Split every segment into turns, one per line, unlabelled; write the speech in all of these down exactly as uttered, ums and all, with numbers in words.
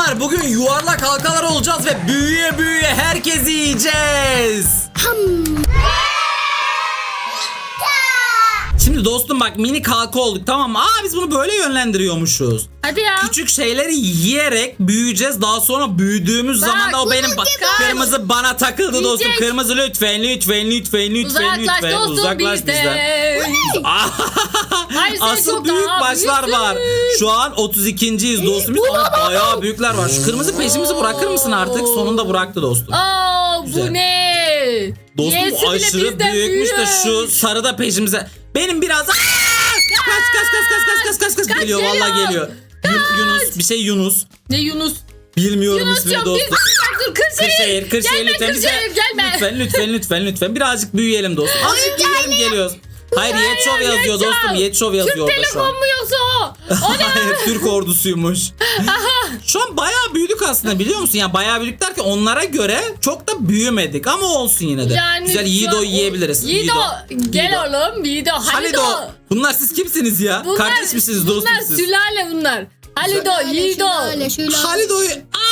Canlar bugün yuvarlak halkalar olacağız ve büyüye büyüye herkesi yiyeceğiz. Şimdi dostum bak minik halka olduk, tamam mı? Aa biz bunu böyle yönlendiriyormuşuz.
Hadi ya.
Küçük şeyleri yiyerek büyüyeceğiz. Daha sonra büyüdüğümüz
Bak,
zaman da o benim bak,
gibi.
kırmızı bana takıldı
Yiyecek.
dostum. Kırmızı lütfen lütfen lütfen lütfen
Uzaklaş
lütfen
dostum
uzaklaş bizden.
Hayır, sen
Asıl
çok
büyük
daha
başlar
büyüksün.
var. Şu an otuz ikinciyiz dostum. Biz ama bayağı büyükler var. Şu kırmızı peşimizi bırakır mısın artık? Sonunda bıraktı dostum.
Aa,
Güzel.
bu ne?
Dostum
Yesi bile
aşırı
bizden
büyükmüş de şu
büyük.
sarı da peşimize. Benim biraz Aa! Kaç kaç kaç kaç kaç kaç kaç kaç
Kaç
geliyor
geliyor?
vallahi geliyor. Yun- Yunus bir şey Yunus.
Ne Yunus?
Bilmiyorum ismini
Yunus'cum bir
dostum.
dur Kırşehir.
Kırşehir, Kırşehir
Gelme
lütfen bize.
Kırşehir gelme.
Lütfen, lütfen, lütfen, lütfen. Birazcık büyüyelim dostum. Azıcık büyüyelim geliyoruz. Hayır, Yetşov yazıyor
Yetşov.
dostum. Yetşov yazıyor
Türk
orada şu
telefon
an.
mu yoksa o? O ne?
Hayır, Türk ordusuymuş. Şu an bayağı büyüdük aslında, biliyor musun? Yani bayağı büyüdük derken onlara göre çok da büyümedik ama olsun yine de.
Yani
Güzel
şu
Yiğido
an-
yiyebiliriz.
Yiğido. Gel
Yiğido.
oğlum Yiğido. Halido.
Halido. Bunlar siz kimsiniz ya?
Bunlar-
Kardeş misiniz dostum
Bunlar
siz?
sülale bunlar. Halido, Yiğido.
Şöyle şöyle.
Halido'yu...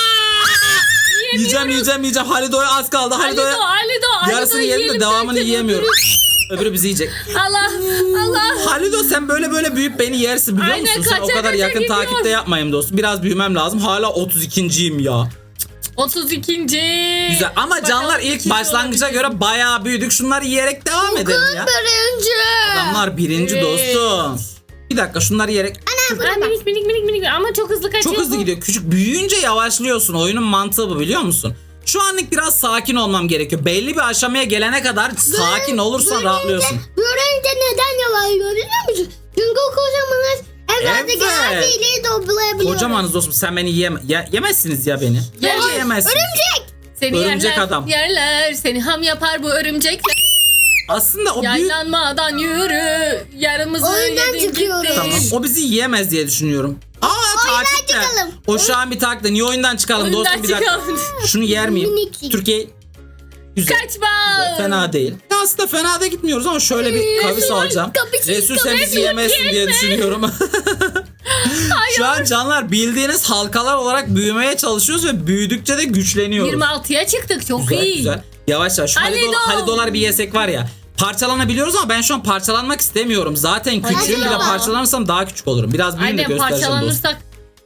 Aa! Yiyeceğim yiyeceğim yiyeceğim. Halido'ya az kaldı.
Halido,
Halido'ya...
Halido, Halido.
Yarısını yedim de
yiyelim
devamını
derken
yiyemiyorum.
öbürü-
Öbürü bizi yiyecek.
Allah, Allah.
Halido sen böyle böyle büyüyüp beni yersin biliyor
Aynen,
musun? Sen o
kaça
kadar
kaça
yakın
gidiyor.
takipte yapmayayım dostum. Biraz büyümem lazım. Hala otuz ikinciyim ya.
otuz ikinci.
Güzel ama
Bakalım
canlar ilk
ikinci
başlangıca
olabilir.
göre bayağı büyüdük. Şunları yiyerek devam edelim ya.
Birinci.
Adamlar birinci
Evet.
dostum. Bir dakika şunları yiyerek.
Ay, minik minik minik minik ama çok hızlı kaçıyor.
Çok hızlı
bu.
gidiyor. Küçük büyüyünce yavaşlıyorsun. Oyunun mantığı bu, biliyor musun? Şu anlık biraz sakin olmam gerekiyor. Belli bir aşamaya gelene kadar sakin olursan rahatlıyorsun.
Birinci neden yavaşlıyor biliyor musun? Çünkü kocamanız evlerdeki
Evet.
her şeyleri toplayabiliyoruz.
Kocamanız dostum, sen beni yeme ye- yemezsiniz ya beni.
Yer-
Bence yemezsiniz.
Örümcek.
Seni
Örümcek
yerler,
adam.
yerler. Seni ham yapar bu örümcekler.
Aslında o büyük...
Yaylanmadan yürü. Yarımızı
Oyundan
yedin
çıkıyoruz.
gittin.
Tamam. O bizi yiyemez diye düşünüyorum. Aa takipte.
çıkalım.
O şu an bir takipte. Niye oyundan çıkalım
Oyundan
dostum, bir dakika.
çıkalım.
Şunu yer miyim?
Minik.
Türkiye güzel.
Kaçma.
Fena değil. Ya aslında fena da gitmiyoruz ama şöyle bir kavis
Resul,
alacağım.
kavis,
Resul sen
kavis
bizi yemezsin diye
yeme.
düşünüyorum. Şu an canlar bildiğiniz halkalar olarak büyümeye çalışıyoruz ve büyüdükçe de güçleniyoruz.
yirmi altıya çıktık çok
Güzel
iyi.
güzel. Yavaş yavaş. Şu
Halido.
halido, halidolar bir yesek var ya. Parçalanabiliyoruz ama ben şu an parçalanmak istemiyorum. Zaten küçüğüm, bir de
Halido.
parçalanırsam daha küçük olurum. Biraz büyüyün de
Aynen
göstereceğim dostum.
parçalanırsak.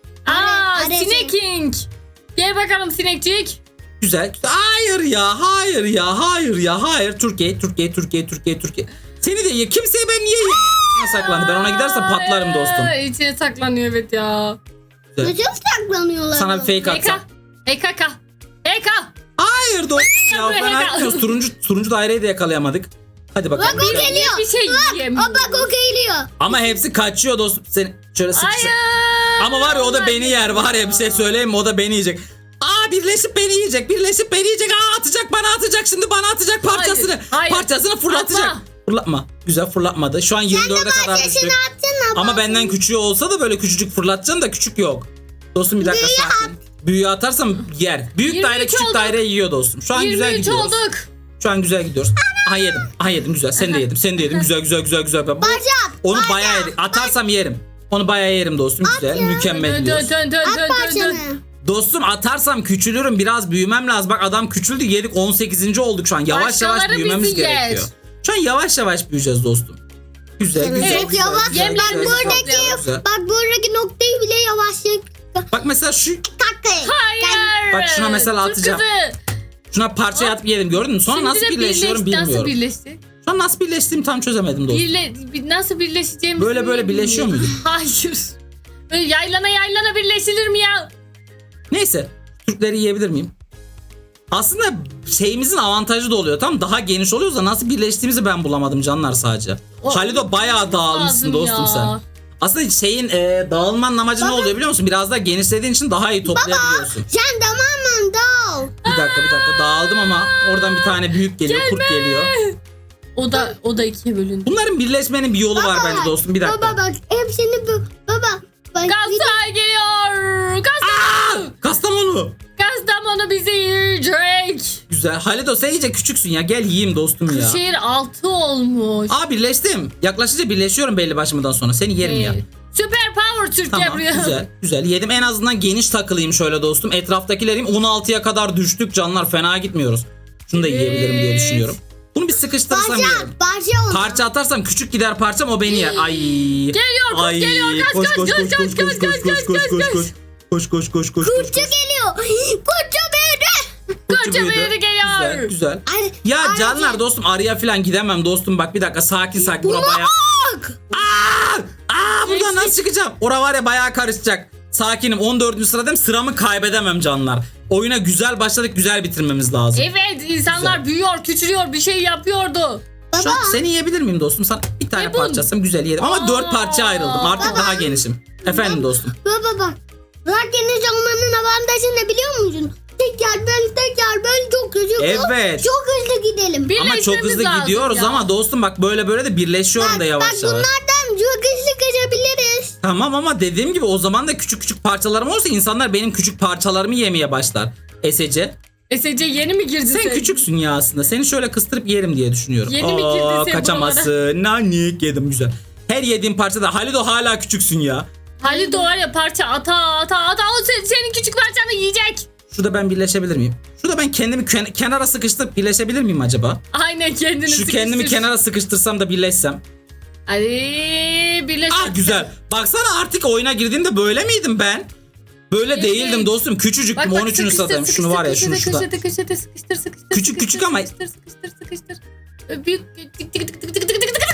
Aa,
Are-
Sineking. Gel bakalım sinekcik.
Güzel. Hayır ya, hayır ya, hayır ya, hayır. Türkiye, Türkiye, Türkiye, Türkiye, Türkiye. Seni de ye. Kimseye ben niye ye? İçine saklandı. Ben ona gidersem patlarım dostum.
Aa, İçine saklanıyor evet ya.
Güzel.
Nasıl saklanıyorlar?
Sana bir fake
E K.
atsam.
E K K. E K.
Hayır dostum ya.
Buraya
Ben
gel.
gitmiyoruz. Turuncu, turuncu daireyi de yakalayamadık. Hadi bakalım.
Bak o geliyor.
Bir şey
Bak,
yiyemiyorum.
o bak o geliyor.
Ama hepsi kaçıyor dostum. Seni şöyle sıkıştır.
Hayır.
Ama var ya o da beni yer, var ya bir şey söyleyeyim mi, o da beni yiyecek. Aa birleşip beni yiyecek, birleşip beni yiyecek. Aa atacak, bana atacak, şimdi bana atacak parçasını.
Hayır, hayır.
Parçasını fırlatacak.
Atma.
Fırlatma. Güzel fırlatmadı. Şu an yirmi dörde kadar düştük.
Sesini atsana.
Ama benden küçüğü olsa da böyle küçücük fırlatacaksın da küçük yok. Dostum bir dakika
Büyüğü
sakin. Büyüğü atarsam yer. Büyük
yirmi
daire
üç
küçük
olduk.
daire yiyor dostum. Şu an güzel
yirmi üç
gidiyoruz.
olduk.
Şu an güzel gidiyoruz. Aha yedim. Aha yedim güzel. Sen de yedim. Sen de yedim. Güzel güzel güzel güzel. Bu-
Bacak.
Onu
bacak.
bayağı yedik. Atarsam yerim. Onu bayağı yerim dostum. Güzel. Mükemmel
Dön
gidiyoruz.
dön dön dön
At
dön dön.
parçanı.
Dostum atarsam küçülürüm, biraz büyümem lazım. Bak adam küçüldü, yedik, on sekizinci olduk şu an. Yavaş yavaş
Başkaları
büyümemiz
bizi yer.
gerekiyor. Şu an yavaş yavaş büyüyeceğiz dostum. Güzel güzel
Evet,
Çok
güzel,
yavaş.
güzel,
Yem
güzel,
Bak
yerimizi
güzel,
buradaki,
toplayalım.
güzel.
bak buradaki noktayı bile yavaşlık.
Bak mesela şu,
Takkayı.
Hayır.
Bak şuna mesela
Türk
atacağım.
kızı.
şuna parçaya atıp yedim, gördün mü? Sonra
Şimdi
nasıl
de
birleşiyorum
birleşti. Nasıl
bilmiyorum.
birleşti?
Şu an nasıl birleştiğimi tam çözemedim dostum.
Birle, bir- nasıl birleşeceğimizi
Böyle böyle birleşiyor
bilmiyorum.
muyduk?
Hayır. Böyle yaylana yaylana birleşilir mi ya?
Neyse, Türkleri yiyebilir miyim? Aslında şeyimizin avantajı da oluyor. Tam daha geniş oluyoruz da nasıl birleştiğimizi ben bulamadım canlar sadece.
O-
Halido bayağı dağılmışsın
lazım
dostum
ya.
sen. Aslında şeyin e, dağılmanın amacı ne oluyor biliyor musun? Biraz daha genişlediğin için daha iyi toplayabiliyorsun.
Sen tamamen dal.
Bir dakika bir dakika dağıldım ama oradan bir tane büyük geliyor, kurt geliyor.
O da o da ikiye bölündü.
Bunların birleşmenin bir yolu var bence dostum. Bir dakika.
Baba bak hepsini bu. Baba. Bak,
Galatasaray geliyor. Kastamonu.
Aa, Kastamonu.
Kastamonu bizi yiyecek.
Güzel. Halido sen iyice küçüksün ya. Gel yiyeyim dostum ya.
Şehir altı olmuş.
Aa birleştim. Yaklaşınca birleşiyorum belli başımdan sonra. Seni yerim ya.
Evet. Süper power Türkiye
Tamam
buraya.
güzel güzel yedim, en azından geniş takılayım şöyle dostum. Etraftakilerim on altıya kadar düştük canlar, fena gitmiyoruz. Şunu da yiyebilirim diye
Evet.
düşünüyorum. Bunu bir sıkıştırırsam
Parça
yerim.
parça oldu.
Parça atarsam küçük gider parçam, o beni yer. Ay.
Geliyor, kurt
Ay.
geliyor. Kaç,
Koş,
kaç,
koş,
kaç,
koş,
kaç,
koş,
kaç,
koş,
kaç,
koş,
kaç,
koş,
kaç,
koş,
kaç.
koş. Koş koş koş koş.
Kurtça geliyor. Kurtça büyüdü.
Kurtça büyüdü geliyor.
Güzel güzel.
Ay,
Ya
ay,
canlar dostum, araya falan gidemem dostum, bak bir dakika sakin sakin. Bura
Buna
baya...
bak.
Aa! Aa, buradan
Geçtik.
nasıl çıkacağım? Ora var ya bayağı karışacak. Sakinim, on dördüncü sıradayım, sıramı kaybedemem canlar. Oyuna güzel başladık, güzel bitirmemiz lazım.
Evet, insanlar büyüyor, küçülüyor, bir şey yapıyordu.
Şu an seni yiyebilir miyim dostum? Sana bir tane
Ne bu?
parçasım güzel yedim. Ama
Aa.
dört parça ayrıldım. Artık
Baba.
daha genişim. Efendim dostum.
Baba bak. Bırak geniş olmanın avantajı ne biliyor musun? Tekrar böl tekrar böl çok hızlı.
Evet.
Çok hızlı gidelim.
Bir-
Ama çok
Birleşmemiz
hızlı
lazım
gidiyoruz
ya.
ama dostum bak böyle böyle de birleşiyorum
Bak,
da yavaş
bak
yavaş.
bunlardan çok hızlı kaçabiliriz.
Tamam ama dediğim gibi o zaman da küçük küçük parçalarım olursa insanlar benim küçük parçalarımı yemeye başlar. Esece.
S C yeni mi girdi
Sen küçüksün ya aslında. Seni şöyle kıstırıp yerim diye düşünüyorum.
Yeni mi girdin sen
kaçamazsın. Nanik yedim güzel. Her yediğim parçada Halido hala küçüksün ya.
Halil doğar ya, parça ata ata ata o se- senin küçük parçanı yiyecek.
Şurada ben birleşebilir miyim? Şurada ben kendimi ken- kenara sıkıştırıp birleşebilir miyim acaba?
Aynen, kendini
Şu
sıkıştır.
kendimi kenara sıkıştırsam da birleşsem.
Hadi birleş.
Ah güzel. Baksana artık oyuna girdiğimde böyle miydim ben? Böyle
Evet.
değildim dostum. Küçücüktüm. on üçüncü sıradayım. Şunu var ya şunu
sıkıştır,
şurada.
Köşede köşede sıkıştır sıkıştır.
Küçük,
sıkıştır,
küçük ama-
Sıkıştır sıkıştır sıkıştır. Ö, Büyük. Tık tık tık tık tık tık tık tık tık.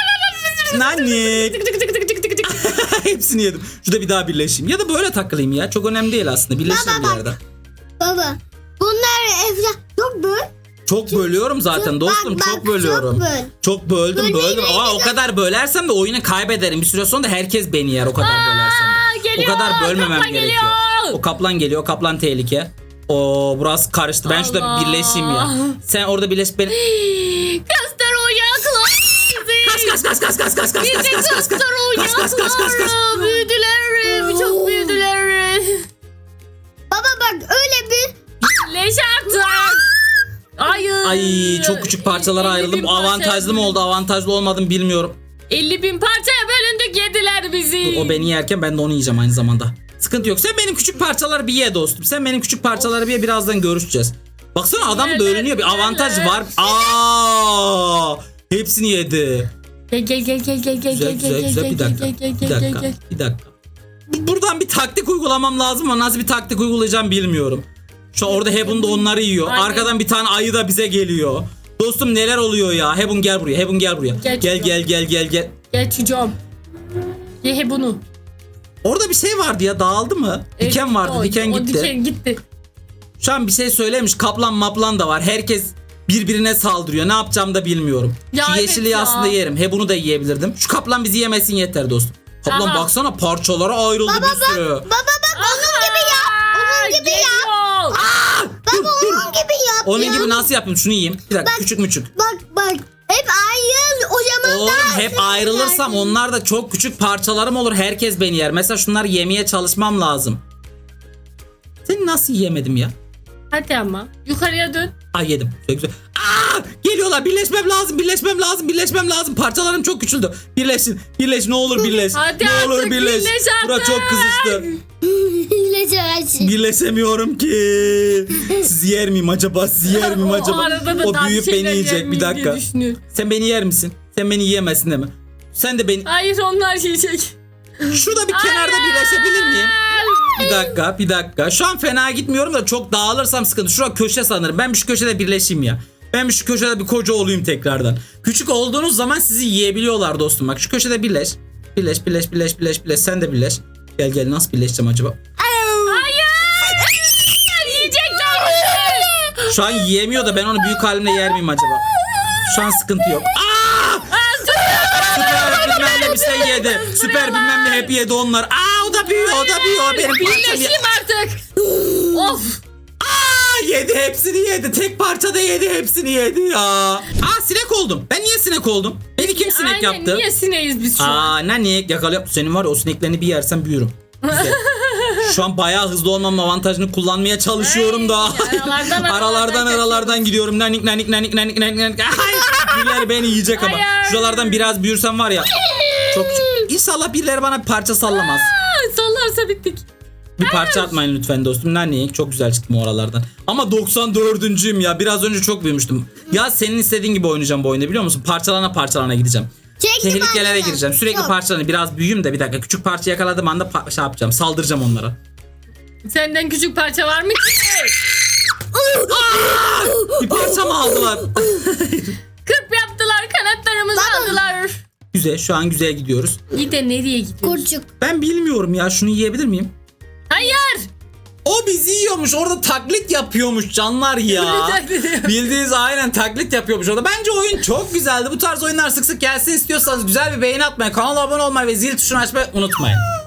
Nanik.
Tık tık tık tık tık tık tık.
Hepsini yedim. Şurada bir daha birleşeyim. Ya da böyle takılayım ya. Çok önemli değil aslında. Birleşirim bir
Baba,
yerde.
Baba bunlar evde çok böl.
Çok bölüyorum zaten
Çok-
dostum.
bak,
Çok
bak,
böldüm.
çok böl.
Çok böldüm
Bölmeyi
böldüm.
neydi
Aa, o
lan?
kadar bölersem de oyunu kaybederim. Bir süre sonra da herkes beni yer o kadar bölersem
Aa,
de. O
geliyor,
kadar bölmemem
kaplan
gerekiyor.
geliyor.
O kaplan geliyor. O kaplan tehlike. O burası karıştı. Ben şurada
Allah.
bir birleşeyim ya. Sen orada birleş beni.
Kastar oyaklar.
Kas kas kas kas kas kas kas
Bizi
kas kas kas
kastar
kas kas kas kas kas.
oyaklar. Büyüdüler. Çok büyüdüler.
Baba bak öyle bir
Leş artık. Hayır.
Ay çok küçük parçalara
elli bin
ayrıldım.
parçaya
Avantajlı mı oldu, avantajlı olmadı mı bilmiyorum.
elli bin parçaya bölündük, yediler bizi.
O beni yerken ben de onu yiyeceğim aynı zamanda. Sıkıntı yok. Sen benim küçük parçaları bir ye dostum. Sen benim küçük parçaları bir ye, birazdan görüşeceğiz. Baksana adam
Yerler,
bölünüyor. Bir avantaj
yerler.
var. Aa! Hepsini yedi.
Gel gel gel gel gel gel
Güzel
gel
güzel
gel
güzel.
gel
Bir
gel
dakika.
gel gel
Bir
gel
dakika.
gel.
Bir dakika. Buradan bir taktik uygulamam lazım ama nasıl bir taktik uygulayacağım bilmiyorum. Şu an orada Hebun da onları yiyor.
Aynen.
Arkadan bir tane ayı da bize geliyor. Dostum neler oluyor ya? Hebun gel buraya. Hebun gel buraya.
Gel
Gel
çocuğum.
gel gel gel gel.
Gel çocuğum. Ye he bunu.
Orada bir şey vardı ya, dağıldı mı?
Evet,
Diken vardı.
o-
Diken
o
gitti.
diken gitti.
Şu an bir şey söylemiş. Kaplan maplan da var. Herkes birbirine saldırıyor. Ne yapacağım da bilmiyorum.
Ya
Şu
evet
yeşili
ya.
aslında yerim. He bunu da yiyebilirdim. Şu kaplan bizi yemesin yeter dostum. Kaplan
Aha.
baksana parçalara ayrıldı bir sürü.
baba bak onun gibi yap. Onun gibi yap.
yap.
Baba onun gibi yap.
Onun
ya.
gibi nasıl yapayım? Şunu yiyeyim. Bir dakika,
Bak.
küçük müçük.
Bak bak hep ayrıl o zaman
Oğlum
daha
hep
hızlı
ayrılırsam
gidersin.
onlar da çok küçük parçalarım olur. Herkes beni yer. Mesela şunları yemeye çalışmam lazım. Seni nasıl yiyemedim ya?
Hadi ama. Yukarıya dön.
Ay yedim. Güzel güzel. Aa, geliyorlar. Birleşmem lazım. Birleşmem lazım. Birleşmem lazım. Parçalarım çok küçüldü. Birleşin. Birleş ne olur birleş.
Hadi
ne
artık,
olur birleş.
birleş
Bura
artık.
çok kızıştı.
Hile çağırsın.
Birleşemiyorum ki. Sizi yer miyim acaba? Sizi yer miyim
O
acaba?
arada da
O
daha
büyüyüp
bir
beni
şeyler
yiyecek. Bir
yemeyeyim
dakika.
diye düşünüyorum.
Sen beni yer misin? Sen beni yiyemezsin değil mi? Sen de beni...
Hayır, onlar yiyecek.
Şurada bir kenarda birleşebilir miyim? Bir dakika, bir dakika. Şu an fena gitmiyorum da çok dağılırsam sıkıntı. Şurada köşe sanırım. Ben bir şu köşede birleşeyim ya. Ben bir şu köşede bir koca olayım tekrardan. Küçük olduğunuz zaman sizi yiyebiliyorlar dostum. Bak şu köşede birleş. Birleş, birleş, birleş, birleş, birleş. Sen de birleş. Gel gel, nasıl birleşeceğim acaba?
Hayır. Yiyecekler bizi.
Şu an yiyemiyor da ben onu büyük halimle yer miyim acaba? Şu an sıkıntı yok. Aa! Süper bilmem ne bir şey yedi. Süper bilmem ne hep yedi onlar. Aa, o da büyüyor, o da büyüyor. Benim parçam ye-
Birleşeyim artık. Of.
Aa, yedi, hepsini yedi. Tek parçada yedi, hepsini yedi ya. Aa, sinek oldum. Ben niye sinek oldum? Beni kim sinek
Aynen,
yaptı?
niye sineğiz biz şu an?
Aa, nanik yakalıyor. Senin var ya, o sineklerini bir yersen büyürüm. Güzel. Şu an bayağı hızlı olmamın avantajını kullanmaya çalışıyorum da.
Ay, aralardan,
aralardan
aralardan
aralardan gidiyorum. Nanik nanik nanik nanik nanik nanik. Ay, birileri beni yiyecek ama.
Hayır.
Şuralardan biraz büyürsem var ya. Çok küçük. İnşallah birileri bana bir parça sallamaz. Bir parça atmayın lütfen dostum. Nani çok güzel çıktım oralardan. Ama doksan dördüncüyüm ya. Biraz önce çok büyümüştüm. Ya senin istediğin gibi oynayacağım bu oyunda biliyor musun? Parçalana parçalana gideceğim.
Çekti
Tehlikelere
parçadan.
gireceğim. Sürekli
Çok.
parçalanı. Biraz büyüyüm de bir dakika. Küçük parça yakaladığım anda pa- şey yapacağım. Saldıracağım onlara.
Senden küçük parça var mı ki?
Bir parça mı aldılar?
Kırp yaptılar, kanatlarımızı
Baba.
aldılar.
Güzel. Şu an güzel gidiyoruz.
İyi de nereye gidiyoruz?
Kurçuk.
Ben bilmiyorum ya. Şunu yiyebilir miyim?
Hayır.
O bizi yiyormuş. Orada taklit yapıyormuş canlar ya. Bildiğiniz aynen taklit yapıyormuş orada. Bence oyun çok güzeldi. Bu tarz oyunlar sık sık gelsin istiyorsanız güzel bir beğeni atmayı, kanala abone olmayı ve zil tuşunu açmayı unutmayın.